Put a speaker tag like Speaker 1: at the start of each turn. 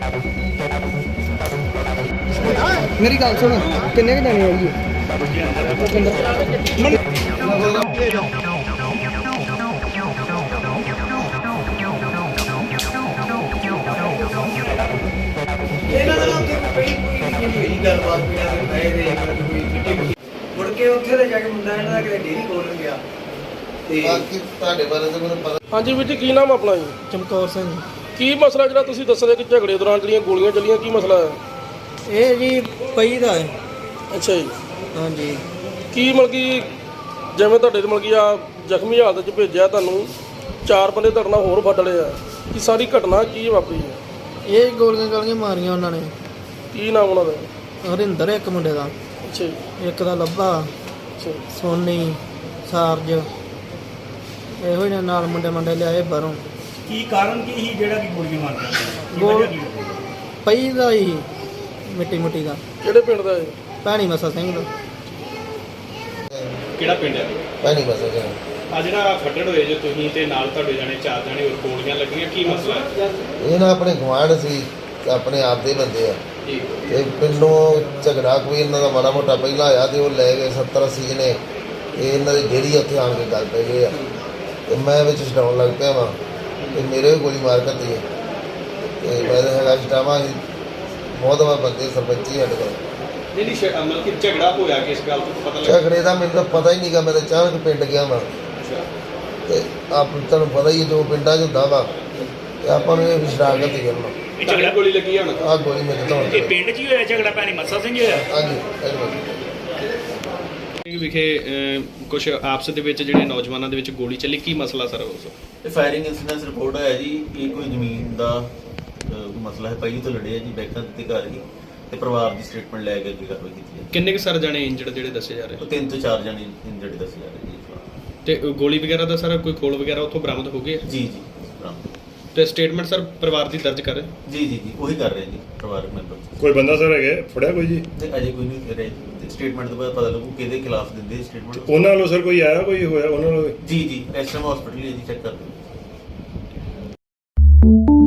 Speaker 1: मेरी गल सुन किन्ने के जाने वाली है
Speaker 2: ਮੁੜ ਕੇ ਉੱਥੇ ਤੇ ਜਾ ਕੇ ਮੁੰਡਾ ਇਹਨਾਂ ਦਾ ਕਿਤੇ ਡੇਰੀ ਖੋਲ੍ਹਣ ਗਿਆ ਤੇ
Speaker 3: ਬਾਕੀ ਤੁਹਾਡੇ ਬਾਰੇ ਤਾਂ ਮੈਨੂੰ ਪਤਾ।
Speaker 4: ਹਾਂਜੀ ਵੀਰ ਜੀ, ਕੀ ਨਾਮ ਆਪਣਾ ਜੀ?
Speaker 1: चमकौर सिंह
Speaker 4: ਕੀ ਮਸਲਾ ਜਿਹੜਾ ਤੁਸੀਂ ਦੱਸਦੇ ਕਿ ਝਗੜੇ ਦੌਰਾਨ ਜਿਹੜੀਆਂ ਗੋਲੀਆਂ ਚੱਲੀਆਂ, ਕੀ ਮਸਲਾ ਹੈ?
Speaker 1: ये जी पई दा है।
Speaker 4: ਅੱਛਾ ਜੀ,
Speaker 1: हाँ जी
Speaker 4: ਕੀ ਮਤਲਬ ਕਿ ਜਿਵੇਂ ਤੁਹਾਡੇ ਮਤਲਬ ਕਿ ਆ ਜ਼ਖਮੀ ਹਾਲਤ 'ਚ ਭੇਜਿਆ ਤੁਹਾਨੂੰ, 4 ਬੰਦੇ ਤੁਹਾਡੇ ਨਾਲ ਹੋਰ ਫੱਟ ਲਏ ਆ, ਕੀ ਸਾਰੀ ਘਟਨਾ ਕੀ ਵਾਪਰੀ ਹੈ?
Speaker 1: ये गोलियां गालियां मारियां उन्होंने।
Speaker 4: ਕੀ ਨਾਮ ਉਹਨਾਂ ਦਾ?
Speaker 1: हरिंदर एक मुंडे का,
Speaker 4: ਅੱਛਾ ਜੀ,
Speaker 1: एक दा लब्बा,
Speaker 4: ਅੱਛਾ ਜੀ।
Speaker 1: सोनी, सारज, ਇਹੋ ਹੀ ਨਾਲ ਮੁੰਡੇ ਲਿਆਏ ਬਾਹਰੋਂ।
Speaker 5: ਕੀ ਕਾਰਨ ਕੀ ਸੀ ਜਿਹੜਾ ਕਿ ਗੋਲੀਆਂ ਮਾਰਦਾ?
Speaker 1: ਗੋਲ ਪਈ ਦਾ ਹੀ ਮਿੱਟੀ ਦਾ।
Speaker 4: ਕਿਹੜੇ ਪਿੰਡ ਦਾ ਹੈ?
Speaker 1: ਭੈਣੀ ਮਸਾ ਸਿੰਘ ਦਾ।
Speaker 5: ਕਿਹੜਾ ਪਿੰਡ ਹੈ?
Speaker 3: ਭੈਣੀ ਮਸਾ ਜੀ।
Speaker 5: ਆ ਜਿਹੜਾ ਫੱਟੜ ਹੋਏ ਜੇ ਤੁਸੀਂ ਤੇ ਨਾਲ ਤੁਹਾਡੇ ਜਾਣੇ 4 ਜਾਣੇ ਹੋਰ ਗੋਲੀਆਂ ਲੱਗੀਆਂ, ਕੀ ਮਸਲਾ ਹੈ?
Speaker 3: ਇਹ ਨਾ ਆਪਣੇ ਗੁਆਂਢ ਸੀ, ਆਪਣੇ ਆਪ ਦੇ ਬੰਦੇ ਆ
Speaker 5: ਜੀ
Speaker 3: ਤੇ ਪਿੰਡੋਂ ਝਗੜਾ ਕੋਈ ਇਹਨਾਂ ਦਾ ਮਾੜਾ ਮੋਟਾ ਪਹਿਲਾਂ ਆਇਆ ਤੇ ਉਹ ਲੈ ਗਏ 70-80 ਜਣੇ। ਇਹ ਇਹਨਾਂ ਦੀ ਡੇਰੀ ਉੱਥੇ ਆਣ ਕੇ ਗੱਲ ਪੈ ਗਏ ਆ ਤੇ ਮੈਂ ਵਿੱਚ ਛਡਾਉਣ ਲੱਗ ਪਿਆ ਵਾਂ ਤੇ ਮੇਰੇ ਵੀ ਗੋਲੀ ਮਾਰ ਕਰਦੀ ਹੈ ਤੇ ਮੈਂ ਤਾਂ ਹੈਗਾ ਛਡਾਵਾਂ ਸੀ। ਬਹੁਤ ਵਾਰ ਬੰਦੇ ਸਰਪੰਚੀ ਸਾਡੇ ਕੋਲ।
Speaker 5: ਜਿਹੜੀ ਮਤਲਬ ਕਿ ਝਗੜਾ ਹੋਇਆ ਕਿਸ ਗੱਲ ਤੋਂ ਪਤਾ ਲੱਗਾ?
Speaker 3: ਝਗੜੇ ਦਾ ਮੈਨੂੰ ਤਾਂ ਪਤਾ ਹੀ ਨਹੀਂਗਾ, ਮੈਂ ਤਾਂ ਅਚਾਨਕ ਪਿੰਡ ਗਿਆ ਵਾਂ ਤੇ ਆਪ ਤੁਹਾਨੂੰ ਪਤਾ ਹੀ ਹੈ ਜੋ ਪਿੰਡਾਂ 'ਚ ਹੁੰਦਾ ਵਾ ਤੇ ਆਪਾਂ ਨੂੰ ਇਹ ਸ਼ਰਾਰਤ ਹੀ ਕਰਨਾ।
Speaker 5: ਇਹ ਝਗੜਾ ਗੋਲੀ ਲੱਗੀ ਆ ਹੁਣ?
Speaker 3: ਆਹ ਗੋਲੀ ਮੇਰੇ ਤੋਂ
Speaker 5: ਇਹ ਪਿੰਡ 'ਚ ਹੀ ਹੋਇਆ ਝਗੜਾ? ਭੈਣੀ ਮੱਸਾ ਸਿੰਘ ਹੋਇਆ
Speaker 3: ਹਾਂਜੀ।
Speaker 5: ਵਿਖੇ ਕੁਝ ਆਪਸ ਦੇ ਵਿੱਚ ਜਿਹੜੇ ਨੌਜਵਾਨਾਂ ਦੇ ਵਿੱਚ ਗੋਲੀ ਚੱਲੀ, ਕੀ ਮਸਲਾ ਸਰ ਉਸ?
Speaker 6: ਇਹ ਫਾਇਰਿੰਗ ਇਨਸੀਡੈਂਸ ਰਿਪੋਰਟ ਆਇਆ ਜੀ। ਇਹ ਕੋਈ ਜ਼ਮੀਨ ਦਾ ਮਸਲਾ ਹੈ, ਪਹਿਲੀ ਤੋਂ ਲੜੇ ਆ ਜੀ, ਬੈਕਾਂ ਦਿੱਤੇ ਘਰ ਹੀ ਤੇ ਪਰਿਵਾਰ ਦੀ ਸਟੇਟਮੈਂਟ ਲੈ ਕੇ ਅੱਗੇ ਕਾਰਵਾਈ ਕੀਤੀ ਹੈ।
Speaker 5: ਕਿੰਨੇ ਕੁ ਸਰ ਜਾਣੇ ਇੰਜਰਡ ਜਿਹੜੇ ਦੱਸੇ ਜਾ ਰਹੇ?
Speaker 6: ਉਹ 3 ਤੋਂ 4 ਜਣੇ ਇੰਜਰਡ ਦੱਸੇ ਜਾ ਰਹੇ ਜੀ।
Speaker 5: ਤੇ ਗੋਲੀ ਵਗੈਰਾ ਦਾ ਸਰ ਕੋਈ ਖੋਲ ਵਗੈਰਾ ਉੱਥੋਂ ਬਰਾਮਦ ਹੋ ਗਏ?
Speaker 6: ਜੀ ਜੀ ਬਰਾਮਦ।
Speaker 5: ਤੇ ਸਟੇਟਮੈਂਟ ਸਰ ਪਰਿਵਾਰ ਦੀ ਦਰਜ ਕਰ ਰਹੇ?
Speaker 6: ਜੀ ਉਹੀ ਕਰ ਰਹੇ ਜੀ ਪਰਿਵਾਰਕ ਮੈਂਬਰ।
Speaker 7: ਕੋਈ ਬੰਦਾ ਸਰ ਹੈਗਾ ਫੜਿਆ ਕੋਈ ਜੀ?
Speaker 6: ਤੇ ਅਜੇ ਕੋਈ ਨਹੀਂ ਰਹੇ। ਸਟੇਟਮੈਂਟ ਤੋਂ ਬਾਅਦ ਪਤਾ ਲੱਗੂ ਕਿਹਦੇ ਖਿਲਾਫ ਦਿੰਦੇ ਸਟੇਟਮੈਂਟ।
Speaker 7: ਉਹਨਾਂ ਵੱਲੋਂ ਸਰ ਕੋਈ ਆਇਆ, ਕੋਈ ਹੋਇਆ ਉਹਨਾਂ ਵੱਲੋਂ?
Speaker 6: ਜੀ ਇਸ ਟਾਈਮ ਹਸਪੀਟਲ ਹੀ ਹੈ ਜੀ, ਚੈੱਕ ਕਰ ਰਹੇ।